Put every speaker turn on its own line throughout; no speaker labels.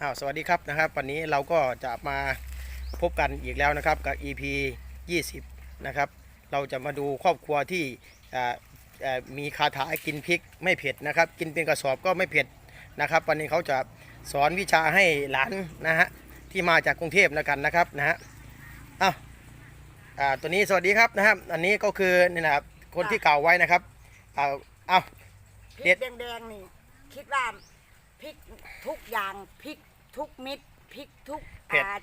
สวัสดีครับนะครับวันนี้เราก็จะมาพบกันอีกแล้วนะครับกับ EP 20นะครับเราจะมาดูครอบครัวที่มีคาถากินพริกไม่เผ็ดนะครับกินเป็นกระสอบก็ไม่เผ็ดนะครับวันนี้เขาจะสอนวิชาให้หลานนะฮะที่มาจากกรุงเทพแล้วกันนะครับนะฮะตัวนี้สวัสดีครับนะครับอันนี้ก็คือนี่นะครับคนที่กล่าวไว้นะครับ
พริกแดงๆนี่คิดว่าพริกทุกอย่างพริกทุกเม็ดพริกทุก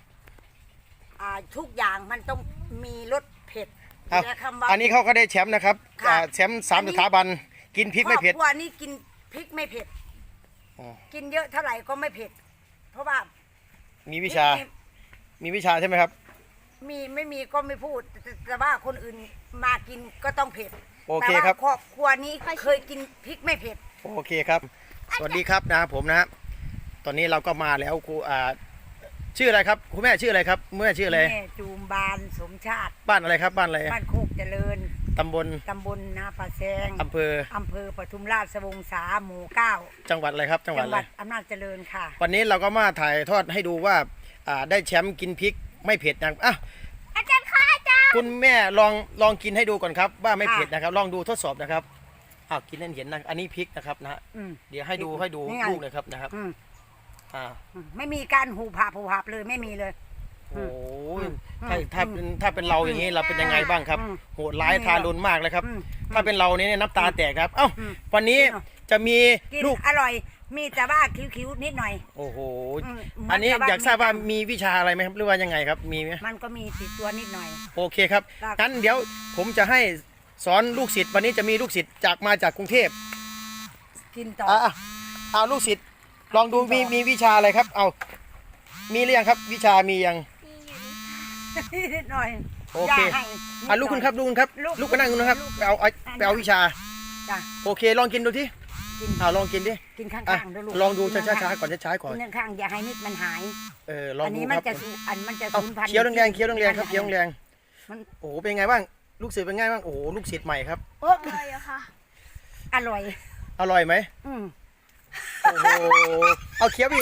ทุกอย่างมันต้องมีรสเผ็ดและคำว่า
อันนี้เขาก็ได้แชมป์นะครับแชมป์3 สถาบันกินพริกไม่เผ็ด
ครอบครัวนี้กินพริกไม่เผ็ดกินเยอะเท่าไหร่ก็ไม่เผ็ดเพราะว่า
มีวิชาใช่ไหมครับ
ไม่มีก็ไม่พูดแต่ว่าคนอื่นมากินก็ต้องเผ็ด
โอเคครับ
ครอบครัวนี้เคยกินพริกไม่เผ็ด
โอเคครับสวัสดีครับนะผมนะตอนนี้เราก็มาแล้วครูชื่ออะไรครับคุณแม่ชื่ออะไรครับแม่ชื่ออะไร
แม่จูมบานสมชาติ
บ้านอะไรครับบ้านอะไร
บ้านโคกเจริญ
ตำบล
นาป่าแซง
อำเภอ
ปทุมราชวงศาหมู่9
จังหวัดอะไรครับจังหวัด
อำนาจเจริญค่ะ
วันนี้เราก็มาถ่ายทอดให้ดูว่าได้แชมป์กินพริกไม่เผ็ดนะ
อาจารย์ค่ะอาจารย์
คุณแม่ลองกินให้ดูก่อนครับว่าไม่เผ็ดนะครับลองดูทดสอบนะครับกินให้เห็นนะอันนี้พริกนะครับนะเดี๋ยวให้ดูลูกเลยครับนะครับ
ไม่มีการหูผับเลยไม่มีเลย
โอ้ยถ้าเป็นเราอย่างนี้เราเป็นยังไงบ้างครับโหดร้ายทารุณมากเลยครับถ้าเป็นเราเนี่ยน้ำตาแตกครับวันนี้จะมีลูก
อร่อยมีแต่ว่าคิ้วๆนิดหน่อย
โอ้โหอันนี้อยากทราบว่ามีวิชาอะไรไหมครับหรือว่ายังไงครับมีไหม
มันก็มีติดตัวนิดหน่อย
โอเคครับงั้นเดี๋ยวผมจะให้สอนลูกศิษย์วันนี้จะมีลูกศิษย์มาจากกรุงเทพ
กินต่อ
เอาลูกศิษย์ลองดูมีวิชาอะไรครับมีหรือยังครับวิชามียัง
นิดหน่อย
โอเคลูกคุณครับลูกก็นั่งนะครับไปเอาวิชาโอเคลองกินดูที่ลองกินดิ
กินข้าง
ๆลองดูช้าๆก่อนช้าๆก่อน
กินข้างอย่าให้มิดมันหาย
ลองดูครับ
มันจะสูญพันธุ์
เคี้ยวแรงครับเคี้ยวแรงโอ้เป็นไงบ้างลูกศิษย์เป็นไงบ้างโอ้ลูกศิษย์ใหม่ครับ
อร่อยค่ะอ
ร่อยไหมโอ้โหเอาเคี้ยวอีก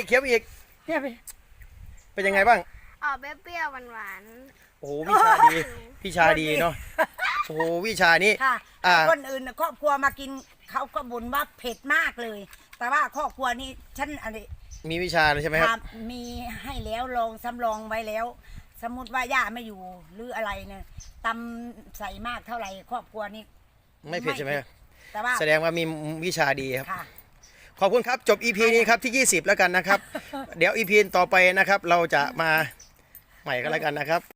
เป็นยังไงบ้าง
เปรี้ยวหวาน
โอ้วิชาดีเนาะโอ้วิชานี้
คนอื่นครอบครัวมากินเขาก็บ่นว่าเผ็ดมากเลยแต่ว่าครอบครัวนี้ฉันอะไร
มีวิชาเลยใช่ไหมครับ
มีให้แล้วลองสำรองไว้แล้วสมมติว่าย่าไม่อยู่หรืออะไรเนี่ยตำใส่มากเท่าไหร่ครอบครัวนี้
ไม่เผ็ดใช่ไหม
แต่ว่า
แสดงว่ามีวิชาดีครับขอบคุณครับจบ EP นี้ครับที่20แล้วกันนะครับเดี๋ยว EP ต่อไปนะครับเราจะมาใหม่กันแล้วกันนะครับ